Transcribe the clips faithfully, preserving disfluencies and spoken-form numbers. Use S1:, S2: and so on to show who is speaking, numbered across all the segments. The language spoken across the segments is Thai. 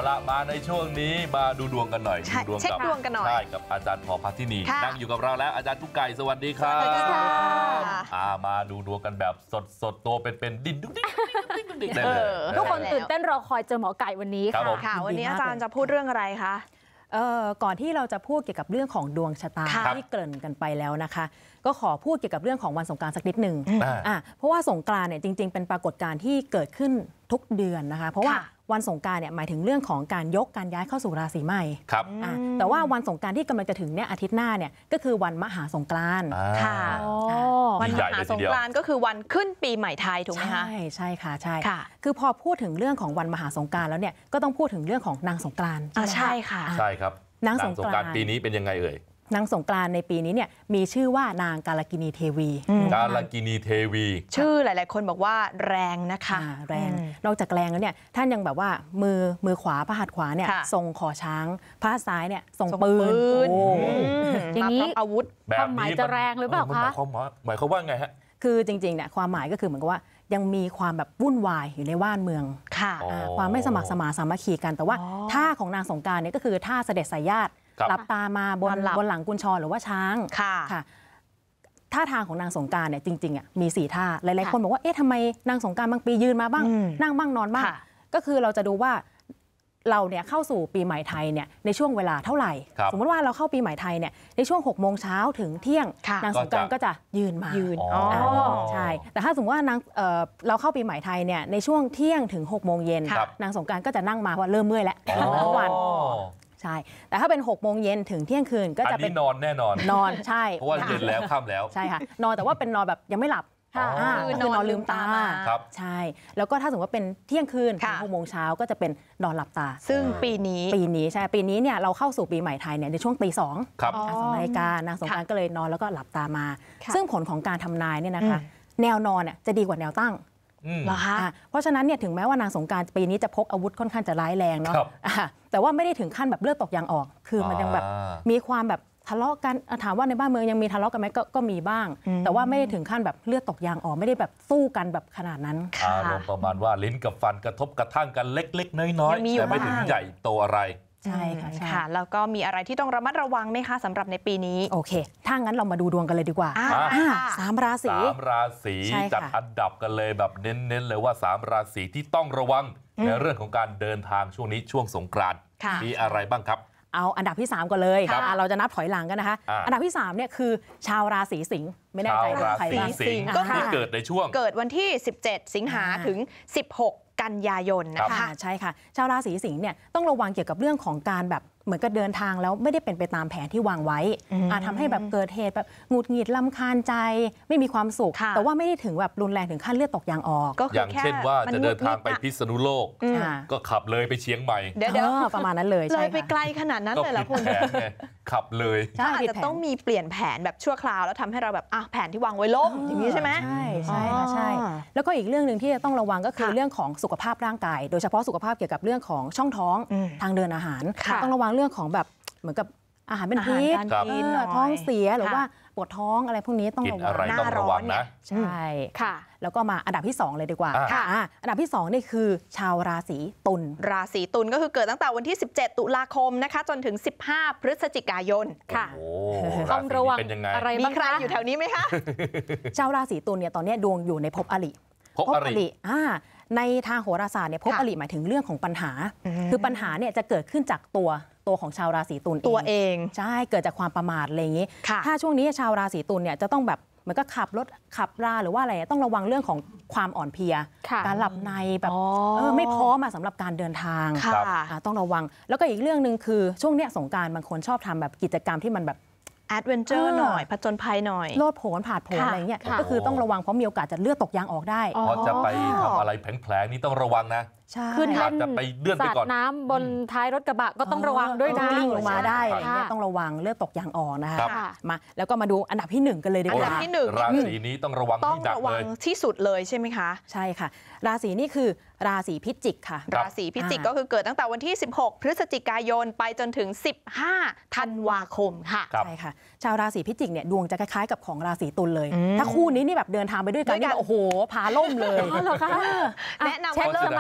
S1: ละมาในช่วงนี้มาดูดวงกันหน่อยดูดวง
S2: เช็คดวงกันหน่อย
S1: ใช่กับอาจารย์พอพาทินีนั่งอยู่กับเราแล้วอาจารย์กุ๊กไก่สวัสดีครับ
S2: สวัสดีค่ะ
S1: มาดูดวงกันแบบสดสดตัวเป็นๆดิ้นดุ๊กดิ๊กดิ๊กดิ๊กดิ๊กได้เลย
S3: ทุกคนตื่นเต้นรอคอยเจอหมอไก่วันนี้ค่ะ
S2: ค่ะวันนี้อาจารย์จะพูดเรื่องอะไรคะ
S4: เอ่อก่อนที่เราจะพูดเกี่ยวกับเรื่องของดวงชะตาที่เกริ่นกันไปแล้วนะคะก็ขอพูดเกี่ยวกับเรื่องของวันสงกรานต์สักนิดหนึ่งอ่าเพราะว่าสงกรานต์เนี่ยจริงๆเป็นปรากฏการณ์ที่เกิดขึ้นทุกเดือนนะคะเพราะว่าวันสงกรานต์เนี่ยหมายถึงเรื่องของการยกการย้ายเข้าสู่ราศีใหม่
S1: ครับ
S4: แต่ว่าวันสงกรานต์ที่กำลังจะถึงเนี่ยอาทิตย์หน้าเนี่ยก็คือวันมหาสงกรานต์
S2: ค่ะวันมหาสงกรานต์ก็คือวันขึ้นปีใหม่ไทยถูกไหมคะ
S4: ใช่ใช่ค่ะใช่คือพอพูดถึงเรื่องของวันมหาสงกรานต์แล้วเนี่ยก็ต้องพูดถึงเรื่องของนางสงกรานต์
S2: ใช่ค่ะ
S1: ใช่ครับ
S4: นางสงกรานต์
S1: ปีนี้เป็นยังไงเอ่ย
S4: นางสงกรานต์ในปีนี้เนี่ยมีชื่อว่านางกาลกินีเทวี
S1: กาลกินีเทวี
S2: ชื่อหลายๆคนบอกว่าแรงนะคะ
S4: แรงนอกจากแรงแล้วเนี่ยท่านยังแบบว่ามือมือขวาพระหัตถ์ขวาเนี่ยทรงขอช้างพระหัตถ์ซ้ายเนี่ยทรงปืน
S2: อย่างนี้อาวุธ
S3: ความหมายจะแรงหรือเปล่าคะ
S1: หมายความว่าไงฮะ
S4: คือจริงๆเนี่ยความหมายก็คือเหมือนกับว่ายังมีความแบบวุ่นวายอยู่ในว่านเมืองความไม่สมัครสมานสามัคคีกันแต่ว่าท่าของนางสงกรานต์เนี่ยก็คือท่าเสด็จสายญาติหลับตามาบนบนหลังกุญชรหรือว่าช้างค่ะท่าทางของนางสงกรานต์เนี่ยจริงๆอ่ะมีสี่ท่าหลายๆคนบอกว่าเอ๊ะทำไมนางสงกรานต์บางปียืนมาบ้างนั่งบ้างนอนบ้างก็คือเราจะดูว่าเราเนี่ยเข้าสู่ปีใหม่ไทยเนี่ยในช่วงเวลาเท่าไหร่สมมติว่าเราเข้าปีใหม่ไทยเนี่ยในช่วงหกโมงเช้าถึงเที่ยงนางสงกรานต์ก็จะยืนมา
S2: ยืน
S4: ใช่แต่ถ้าสมมติว่านางเราเข้าปีใหม่ไทยเนี่ยในช่วงเที่ยงถึงหกโมงเย็นนางสงกรานต์ก็จะนั่งมาเพราะเริ่มเมื่อยแล้วทั้งวันใช่แต่ถ้าเป็นหกโมงเย็นถึงเที่ยงคืนก็จะเป็น
S1: นอนแน่นอน
S4: นอนใช่
S1: เพราะว่าเย็นแล้วค่ำแล้ว
S4: ใช่ค่ะนอนแต่ว่าเป็นนอนแบบยังไม่หลับคือนอนลืมตาใช่แล้วก็ถ้าสมมติว่าเป็นเที่ยงคืนถึงหกโมงเช้าก็จะเป็นนอนหลับตา
S2: ซึ่งปีนี้
S4: ปีนี้ใช่ปีนี้เนี่ยเราเข้าสู่ปีใหม่ไทยเนี่ยในช่วงตีสองสองนาฬิกานางสงกรานต์ก็เลยนอนแล้วก็หลับตามาซึ่งผลของการทำนายเนี่ยนะคะแนวนอนเนี่ยจะดีกว่าแนวตั้ง
S2: เหรอคะ
S4: เพราะฉะนั้นเนี่ยถึงแม้ว่านางสงกรานต์ปีนี้จะพกอาวุธค่อนข้างจะร้ายแรงเนาะแต่ว่าไม่ได้ถึงขั้นแบบเลือดตกยางออกคือมันยังแบบมีความแบบทะเลาะกันถามว่าในบ้านเมืองยังมีทะเลาะกันไหมก็ก็มีบ้างแต่ว่าไม่ได้ถึงขั้นแบบเลือดตกยางออกไม่ได้แบบสู้กันแบบขนาดนั้น
S1: อารมณ์ประมาณว่าลิ้นกับฟันกระทบกระทั่งกันเล็กๆน้อยๆแต่ไม่ถึงใหญ่โตอะไร
S4: ใช่ค่ะใช่
S2: ค่ะแล้วก็มีอะไรที่ต้องระมัดระวังไหมคะสำหรับในปีนี้
S4: โอเคถ้างั้นเรามาดูดวงกันเลยดีกว่าสามราศี
S1: สามราศีจัดอันดับกันเลยแบบเน้นๆเลยว่าสามราศีที่ต้องระวังในเรื่องของการเดินทางช่วงนี้ช่วงสงกรานต์มีอะไรบ้างครับ
S4: เอาอันดับที่สามก่อนเลยเราจะนับถอยหลังกันนะคะอันดับที่สามเนี่ยคือชาวราศีสิงห์ไม่แน่ใจว่าใคร
S1: ราศีสิงห์ก็คือเกิดในช่วง
S2: เกิดวันที่สิบเจ็ดสิงหาถึงสิบหกกันยายนนะคะ
S4: ใช่ค่ะชาวราศีสิงห์เนี่ยต้องระวังเกี่ยวกับเรื่องของการแบบเหมือนกับเดินทางแล้วไม่ได้เป็นไปตามแผนที่วางไว้อาจทำให้แบบเกิดเหตุแบบหงุดหงิดรำคาญใจไม่มีความสุขแต่ว่าไม่ได้ถึงแบบรุนแรงถึงขั้นเลือดตกยางออก
S1: อย่างเช่นว่าจะเดินทางไปพิษณุโลกก็ขับเลยไปเชียงใหม่
S4: เดี๋ยวประมาณนั้นเลย
S2: เลยไปไกลขนาดนั้นเลยเหรอคุณ
S1: ขับเลย
S2: อาจจะต้องมีเปลี่ยนแผนแบบชั่วคราวแล้วทำให้เราแบบอ่ะแผนที่วางไว้ล่มอย่างนี้ใช่ไหม
S4: ใช่ใช่ค่ะใช่แล้วก็อีกเรื่องหนึ่งที่จะต้องระวังก็คือเรื่องของสุขภาพร่างกายโดยเฉพาะสุขภาพเกี่ยวกับเรื่องของช่องท้องทางเดินอาหารต้องระวังเรื่องของแบบเหมือนกับอาหารเป็นพิษท้องเสียหรือว่าปวดท้องอะไรพวกนี้ต้องระวัง
S1: หน้าร้อน
S4: นะใช่ค่ะแล้วก็มาอันดับที่สองเลยดีกว่าอันดับที่สองนี่คือชาวราศีตุล
S2: ราศีตุลก็คือเกิดตั้งแต่วันที่สิบเจ็ดตุลาคมนะคะจนถึงสิบห้าพฤศจิกายนค่ะ
S3: ต้องระวังอะไร
S2: มีใครอยู่แถวนี้ไหมคะ
S4: ชาวราศีตุลเนี่ยตอนนี้ดวงอยู่ในภพอริ
S1: ภพอริ
S4: ในทางโหราศาสตร์เนี่ยภพอริหมายถึงเรื่องของปัญหาคือปัญหาเนี่ยจะเกิดขึ้นจากตัวตัวของชาวราศีตุล
S2: ตัวเอง
S4: ใช่เกิดจากความประมาทอะไรอย่างนี้ถ้าช่วงนี้ชาวราศีตุลเนี่ยจะต้องแบบเหมือนก็ขับรถขับราหรือว่าอะไรต้องระวังเรื่องของความอ่อนเพลียการหลับในแบบเออไม่พร้อมสำหรับการเดินทางต้องระวังแล้วก็อีกเรื่องนึงคือช่วงเนี้ยสงกรานต์บางคนชอบทำแบบกิจกรรมที่มันแบบ
S2: แอดเวนเจอร์หน่อยผจญภัยหน่อย
S4: โลดโผนผาดโผนอะไรเงี้ยก็คือต้องระวังเพราะมีโอกาสจะเลือดตกยางออกได้
S1: พอจะไปทำอะไรแผลงๆนี่ต้องระวังนะ
S3: ขึ้นแท่น
S1: จะไปเลื่อนไปก่อน
S3: น้ำบนท้ายรถกระบะก็ต้องระวังด้วยนะ
S4: กลิ้งลงมาได้อะไรเงี้ยต้องระวังเลือดตกยางออกนะคะมาแล้วก็มาดูอันดับที่หนึ่งกันเลยดีกว่า
S2: อันดับที่หนึ่ง
S1: ราศีนี้ต้องระวัง
S2: ต้องระวังที่สุดเลยใช่ไหมคะ
S4: ใช่ค่ะราศีนี่คือราศีพิจิกค่ะ
S2: ราศีพิจิกก็คือเกิดตั้งแต่วันที่สิบหกพฤศจิกายนไปจนถึงสิบห้าธันวาคมค่ะ
S4: ใช่ค่ะชาวราศีพิจิกเนี่ยดวงจะคล้ายๆกับของราศีตุลเลยถ้าคู่นี้นี่แบบเดินทางไปด้วยกันนี่โอ้โหพาล่มเลย
S2: แนะนำว่าเริ่มมากิน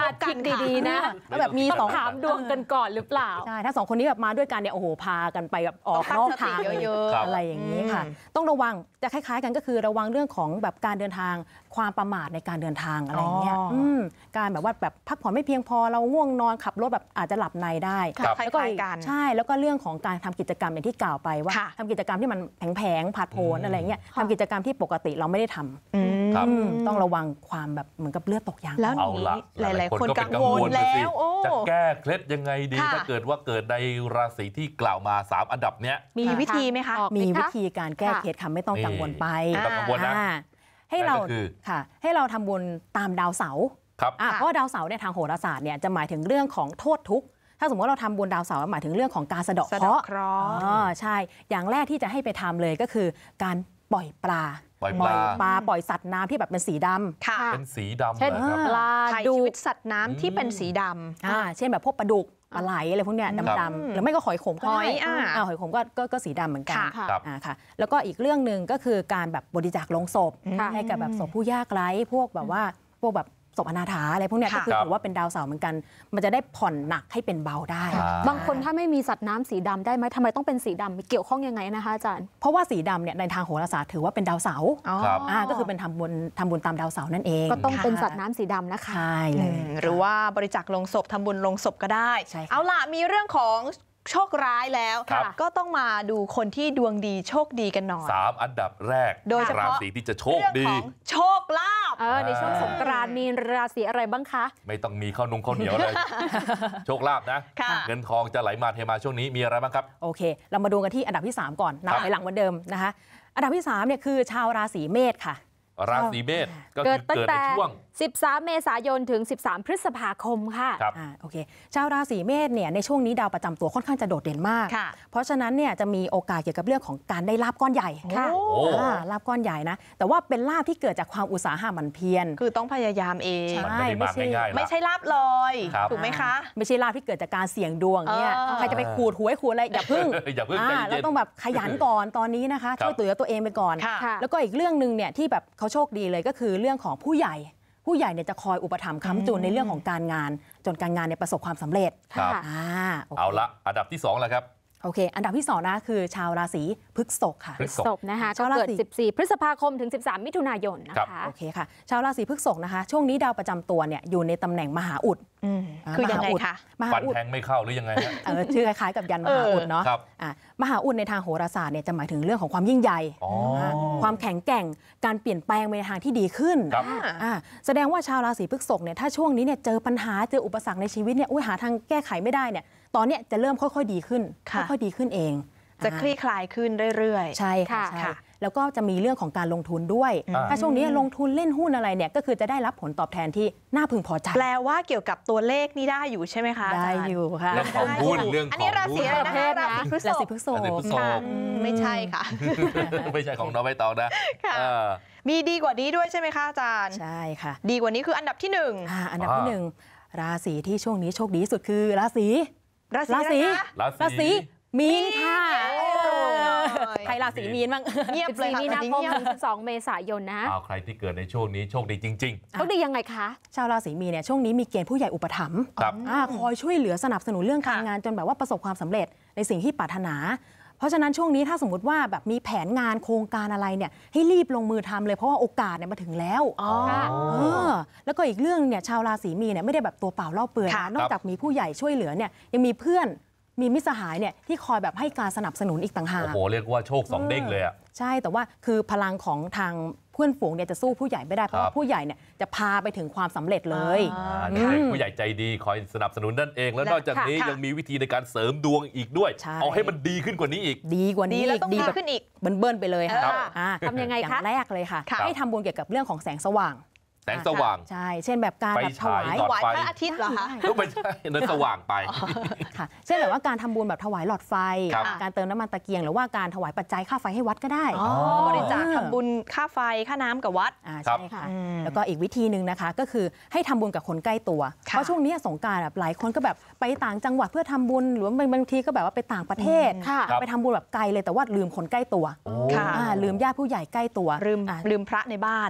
S3: ดีๆนะ
S4: แล้วแบบมีสอง
S3: ถามดวงกันก่อนหรือเปล่า
S4: ใช่ถ้าสองคนนี้แบบมาด้วยกันเนี่ยโอ้โหพากันไปแบบออกนอกทาง
S2: เยอะๆ
S4: อะไรอย่างนี้ค่ะ ต้องระวังจะคล้ายๆกันก็คือระวังเรื่องของแบบการเดินทางความประมาทในการเดินทางอะไรอย่างเงี้ย
S2: อ๋ออื
S4: มการแบบว่าแบบพักผ่อนไม่เพียงพอเราง่วงนอนขับรถแบบอาจจะหลับในได้
S2: ครับ
S4: แล้วก็
S2: คล้ายๆกัน
S4: ใช่แล้วก็เรื่องของการทำกิจกรรมอย่างที่กล่าวไปว่า
S2: ค่ะ
S4: ทำกิจกรรมที่มันแผงๆผาดโผน
S1: อืม
S4: อะไรเงี้ยทำกิจกรรมที่ปกติเราไม่ได้ทำ
S2: อืม
S1: ครับ
S4: อืมต้องระวังความแบบเหมือนกับเลือดตกยาง
S2: แล้ว
S1: เอาละ
S2: หลายๆคน
S1: ก็
S2: กั
S1: เป็น
S2: งวล
S1: นะสิ
S2: แล้วโอ้
S1: จะแก้เคล็ดยังไงดี
S2: ค่ะ
S1: ถ้าเกิดว่าเกิดในราศีที่กล่าวมาสามอันดับเนี้ย
S2: มีวิธีไหมคะ
S3: ออก
S4: มี
S3: ไหคะ
S4: วิธีการแก้
S3: ค่ะ
S4: เคล็ดค่ะไม่ต้องกังวลไป
S1: ไม่ต้องกังวลนะ
S4: อ่าให้เรา
S1: นั่นก็คือ
S4: ค่ะ ให้เราทำบุญตามดาวเสาร์
S1: ครับ
S4: อ่ะ
S2: ค่ะ
S4: เพราะว่าดาวเสาร์เนี่ยทางโหราศาสตร์เนี่ยจะหมายถึงเรื่องของโทษทุกข์ถ้าสมมติว่าเราทำบุญดาวเสาร์หมายถึงเรื่องของการสะเดาะ
S2: สะ
S4: เค
S2: เดาะ
S4: ราะห์
S2: เคราะห์
S4: อ๋อใช่ อย่างแรกที่จะให้ไปทำเลยก็คือ การปล่อยปลา
S1: ปล่อยปลา
S4: ปลาปล่อยสัตว์น้ำที่แบบเป็นสีดำ
S2: ค่ะ
S1: เป็นสีดำ
S3: เช่น
S1: เลยครับ
S3: ปลา
S2: ถ่าย
S3: ดู
S2: ชีวิตสัตว์น้ำที่เป็นสีด
S4: อ่าเช่นแบบพวกปลาดุกปลาไหลอะไรพวกเนี้ย
S1: ครับ
S4: ดำๆหรือไม่ก็หอยขมก็
S2: ห
S4: ได้
S2: อยอ่า
S4: อ่าหอยขมก็ก็ก็สีดำเหมือนกัน
S2: ค่ะ
S3: ค่ะ
S1: ครับ
S4: อ่าค่ะแล้วก็อีกเรื่องหนึ่งก็คือการแบบบริจาคลงศพ
S3: ค่ะ
S4: ให้กับแบบศพผู้ยากไร้พวกแบบว่าพวกแบบศพอนาถาอะไรพวกเนี้ย
S2: ค่ะ
S4: ก็คือ
S1: ครับ
S4: ถือว่าเป็นดาวเสาร์เหมือนกัน มันจะได้ผ่อนหนักให้เป็นเบาได้
S1: อ่า
S3: บางคนถ้าไม่มีสัตว์น้ำสีดำได้ไหมทำไมต้องเป็นสีดำเกี่ยวข้องยังไงนะคะอาจารย์
S4: เพราะว่าสีดำเนี่ยในทางโหราศาสตร์ถือว่าเป็นดาวเสาร์
S2: อ๋อ
S1: ครับ
S4: อ่าก็คือเป็นทำบุญทำบุญตามดาวเสาร์นั่นเอง
S3: ก็ต้องเป็น
S4: ค่ะ
S3: สัตว์น้ำสีดำนะคะ
S4: ใช่เล
S2: อื
S4: ย
S2: มหรือว่าบริจาคลงศพทำบุญลงศพก็ได้
S4: ใช่ค่ะ
S2: เอาล่ะมีเรื่องของโชคร้ายแล้ว
S1: ครับ
S2: ก็ต้องมาดูคนที่ดวงดีโชคดีกันหน่อย
S1: สามอันดับแรก
S2: โดยเฉพาะ
S1: ราศีที่จะโชค
S2: เรื่อง
S1: ดี
S2: ของโชคลาภ
S3: เออในช่วงสงกรานต์มีราศีอะไรบ้างคะ
S1: ไม่ต้องมีข้าวนุ่งข้าวเหนียวเลย โชคลาภนะ
S2: ค่ะ
S1: เงินทองจะไหลมาเทมาช่วงนี้มีอะไรบ้างครับ
S4: โอเค เรามาดูกันที่อันดับที่ สาม ก่อนนับ
S1: ครับ
S4: ไปหลังเหมือนเดิมนะคะ อันดับที่3เนี่ยคือชาวราศีเมษค่ะ
S1: ราศีเมษก็
S3: เกิ
S1: คื
S3: ด
S1: อ
S3: ตั้ง
S1: เกิดใน
S3: แต่
S1: ช่วง
S3: สิบสาม เมษายนถึง สิบสาม พฤษภาคมค่ะ
S1: ครับ
S4: อ่าโอเคชาวราศีเมษเนี่ยในช่วงนี้ดาวประจำตัวค่อนข้างจะโดดเด่นมาก
S2: ค่ะ
S4: เพราะฉะนั้นเนี่ยจะมีโอกาสเกี่ยวกับเรื่องของการได้ลาบก้อนใหญ่
S3: ค่ะ
S2: โอ้
S1: โอ้
S4: อ่าลาบก้อนใหญ่นะแต่ว่าเป็นลาบที่เกิดจากความอุตสาหะหมั่นเพียร
S2: คือต้องพยายามเอง
S4: ใช่
S1: มันไม่ได้มาง่ายๆละ
S2: ไม่ใช่ลาบลอย
S1: ครับ
S2: ถูกไหมคะ
S4: ไม่ใช่ลาบที่เกิดจากการเสี่ยงดวงเนี่ย
S2: เออ
S4: ใครจะไปขูดหวยขูดอะไรอย่าพึ่ง
S1: อย่าเพิ่ง
S4: อ่า
S1: ใจ
S4: เรา
S1: เย็น
S4: ต้องแบบขยันก่อนตอนนี้นะคะ
S1: ครับ
S4: ช่วยตัวเหลือตัวเองไปก่อน
S2: ค่ะ
S3: ค่ะ
S4: แล้วก็อีกเรื่องหนึ่งเนี่ยที่แบบเขาโชคดีเลยก็คือเรื่องของผู้ใหญ่ ผู้ใหญ่เนี่ยจะคอยอุปถัมภ์ค้ำจุนในเรื่องของการงาน จนการงานเนี่ยประสบความสำเร็จ
S1: ครับ
S3: ค่ะ
S4: อ่าโอเค
S1: เอาละอันดับที่สองแล้วครับ
S4: โอเค อันดับที่สองนะคือชาวราศีพฤษภค่ะ
S1: พฤษ
S3: ศพนะคะ
S4: ชา
S3: ก็
S4: วราศี
S3: เกิด สิบสี่ พฤษภาคมถึง สิบสาม มิถุนายนนะ
S1: ครั
S3: คะ
S1: บ
S4: โอเคค่ะ ชาวราศีพฤษภนะคะ ช่วงนี้ดาวประจำตัวเนี่ยอยู่ในตำแหน่งมหาอุด
S2: อืม
S4: า
S2: คือยังไง
S4: มหาอุด
S2: คะ
S4: มหา
S1: ฟัน
S4: อุด
S1: แทงไม่เข้าหรือยังไงฮะ
S4: เออชื่อคล้ายๆกับยันมหาอุดเนาะ
S1: ครับ
S4: อ่ะมหาอุดในทางโหราศาสตร์เนี่ยจะหมายถึงเรื่องของความยิ่งใหญ่
S1: อ๋ออ่
S4: าความแข็งแกร่งการเปลี่ยนแปลงไปในทางที่ดีขึ้น
S1: ครับ
S4: อ่าแสดงว่าชาวราศีพฤษภเนี่ยถ้าช่วงนี้เนี่ยเจอปัญหาเจออุปสรรคในชีวิตเนี่ยอุ้ยหาทางแก้ไขไม่ได้เนี่ยตอนเนี้ยจะเริ่มค่อยๆดีขึ้น
S2: ค่ะ
S4: ค่อยๆดีขึ้นเอง
S2: จะคลี่คลายขึ้นเรื่อยๆ
S4: ใช่ค่ะ
S3: ค่ะ
S4: ใช่
S2: ค่ะ
S4: แล้วก็จะมีเรื่องของการลงทุนด้วย
S1: อ่า
S4: ถ้าช่วงนี้ลงทุนเล่นหุ้นอะไรเนี่ยก็คือจะได้รับผลตอบแทนที่น่าพึงพอใจ
S2: แปลว่าเกี่ยวกับตัวเลขนี่ได้อยู่ใช่ไหมคะ
S4: ได้
S2: าจาร
S4: อยู่ค่ะ
S1: เรื่องของหุ้นเรื่องของ
S2: อันนี้ราศีอะไรนะ
S3: หุ้
S2: คะ
S3: น
S2: ราศีพฤษ
S4: ราศี
S2: ภ
S4: พฤษภ
S1: ราศีพฤษภ
S2: ค่ะอืมไม่ใช่ค่ะ
S1: ไม่ใช่ของน้องใบตองนะ
S2: ค่ะ
S1: เออ
S2: มีดีกว่านี้ด้วยใช่ไหมคะอาจารย์
S4: ใช่ค่ะ
S2: ดีกว่านี้คืออันดับที่หนึ่ง
S4: อ่าอันดับ
S1: อ่า
S4: ที่หนึ่งราศีที่ช่วงนี้โชคดีที่สุดคือราศี
S2: ราศี
S4: ราศี
S2: อะไรคะ
S1: รา
S4: รา
S1: ศี
S4: ศีมีนค่ะ
S2: โอ้ย
S4: ใครราศีมีนบ้าง
S2: เงียบเลย
S3: สิบสี่
S2: ค่ะ
S3: มีนาคม
S2: เงียบ
S3: ถึง สิบสอง เมษายนนะ
S1: เอาใครที่เกิดในช่วงนี้โชคดีจริง
S3: โชคดียังไงคะ
S4: ชาวราศีมีนเนี่ยช่วงนี้มีเกณฑ์ผู้ใหญ่อุปถัมภ์
S1: ๆ ครับ
S4: อ่าคอยช่วยเหลือสนับสนุนเรื่องการ
S2: ค่ะ
S4: งานจนแบบว่าประสบความสำเร็จในสิ่งที่ปรารถนา เพราะฉะนั้นช่วงนี้ถ้าสมมติว่าแบบมีแผนงานโครงการอะไรเนี่ยให้รีบลงมือทำเลยเพราะว่าโอกาสเนี่ยมาถึงแล้ว
S2: อ๋อ
S3: ค่ะ
S4: เออแล้วก็อีกเรื่องเนี่ยชาวราศีมีนเนี่ยไม่ได้แบบตัวเปล่าเล่าเปลือย
S2: ค่ะ
S4: นะนอกจากมีผู้ใหญ่ช่วยเหลือเนี่ยยังมีเพื่อนมีมิตรสหายเนี่ยที่คอยแบบให้การสนับสนุนอีกต่างหาก
S1: โอ้โห เรียกว่าโชคสองเด้งเลยอ่ะ
S4: ใช่แต่ว่าคือพลังของทางเพื่อนฝูงเนี่ยจะสู้ผู้ใหญ่ไม่ได้เพราะ
S1: ครั
S4: ว่า
S1: บ
S4: ผู้ใหญ่เนี่ยจะพาไปถึงความสำเร็จเลย
S2: อ่า
S1: อ่าเด็กๆผู้ใหญ่ใจดีคอยสนับสนุนนั่นเอง แล้วนอกจากนี้
S2: ค่ะ
S1: ยังมีวิธีในการเสริมดวงอีกด้วย
S4: ใช่
S1: เอาให้มันดีขึ้นกว่านี้อีก
S4: ดีกว่า
S2: ดี
S4: นี้
S2: แล้ว
S4: อีก
S2: ต้อง
S4: ดี
S2: ดี
S4: แบบ
S2: ขึ้นอีก
S4: เบิ้ลๆไปเลยค่ะ
S2: ครับ
S4: อ่า
S3: ทำยังไง
S4: อย่า
S3: คะ
S4: งแรกเลยค่ะ
S2: ค่ะ
S4: ให้ทำบุญเกี่ยวกับเรื่องของแสงสว่าง
S1: แสงสว่าง
S4: ใช่ เช่นแบบการ
S1: ไฟ
S4: แบบถ
S1: ฉายว
S4: าย
S1: หลอด
S2: ไหว
S1: ไฟ
S2: พระอาทิตย์เหรอคะ
S1: ก็ไม่ใช่นั่นสว่างไป
S4: ค่ะ เช่นแบบว่าการทำบุญแบบถวายหลอดไฟ
S1: ครับ
S4: การเติมน้ำมันตะเกียง หรือว่าการถวายปัจจัยค่าไฟให้วัดก็ได้
S2: อ๋อบริจาคทำบุญค่าไฟค่าน้ำกับวัด
S4: อ่า
S1: ครับ
S4: ใช่ค่ะ
S2: อืม
S4: แล้วก็อีกวิธีหนึ่งนะคะ ก็คือให้ทำบุญกับคนใกล้ตัว
S2: ค่ะ
S4: เพราะช่วงนี้สงกรานต์แบบหลายคนก็แบบไปต่างจังหวัดเพื่อทำบุญ หรือว่าบางทีก็แบบว่าไปต่างประเทศ
S3: ค่ะ
S1: ครับ
S4: ไปทำบุญแบบไกลเลยแต่ว่าลืมคนใกล้ตัว
S1: โอ้
S2: ค่ะ
S4: อ่าลืมญาติผู้ใหญ่ใกล้ตัว
S2: ลืม
S4: อ่า
S2: ลืมพระในบ้าน
S1: โอ้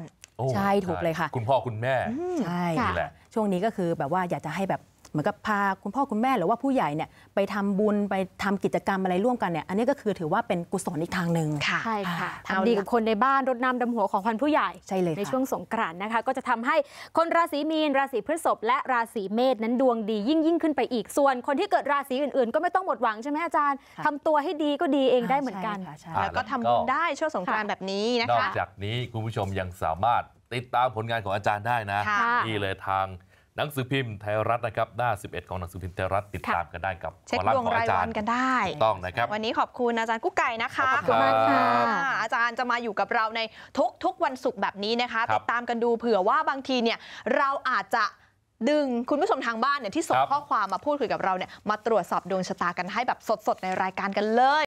S4: ใช่ถูกเลยค่ะ
S1: คุณพ่อคุณแม่
S4: ใช่
S1: นี่แหละ
S4: ช่วงนี้ก็คือแบบว่าอยากจะให้แบบเหมือนกับพาคุณพ่อคุณแม่หรือว่าผู้ใหญ่เนี่ยไปทำบุญไปทำกิจกรรมอะไรร่วมกันเนี่ยอันนี้ก็คือถือว่าเป็นกุศลอีกทางหนึ่ง
S3: ใช่ค่ะทำดีกับคนในบ้านรดน้ำดำหัวของพันผู้ใหญ่
S4: ใช่เลย
S3: ในช่วงสงกรานต์นะคะก็จะทำให้คนราศีมีนราศีพฤษภและราศีเมษนั้นดวงดียิ่งยิ่งขึ้นไปอีกส่วนคนที่เกิดราศีอื่นๆก็ไม่ต้องหมดหวังใช่ไหมอาจารย์ทำตัวให้ดีก็ดีเองได้เหมือนกัน
S2: แล้วก็ทำบุญได้ช่วงสงกรานต์แบบนี้นะคะ
S1: นอกจากนี้คุณผู้ชมยังสามารถติดตามผลงานของอาจารย์ได้นะนี่เลยทางหนังสือพิมพ์ไทยรัฐนะครับหน้าสิบเอ็ดของหนังสือพิมพ์ไทยรัฐติดตามกันได้กับ
S2: เช็คดวงรายวันกันได้
S1: ต้องนะครับ
S2: วันนี้ขอบคุณอาจารย์กุ๊กไก่นะคะ
S1: ขอบคุณมากค่ะ
S2: อาจารย์จะมาอยู่กับเราในทุกทุกวันศุกร์แบบนี้นะคะติดตามกันดูเผื่อว่าบางทีเนี่ยเราอาจจะดึงคุณผู้ชมทางบ้านเนี่ยที่ส่งข้อความมาพูดคุยกับเราเนี่ยมาตรวจสอบดวงชะตากันให้แบบสดๆในรายการกันเลย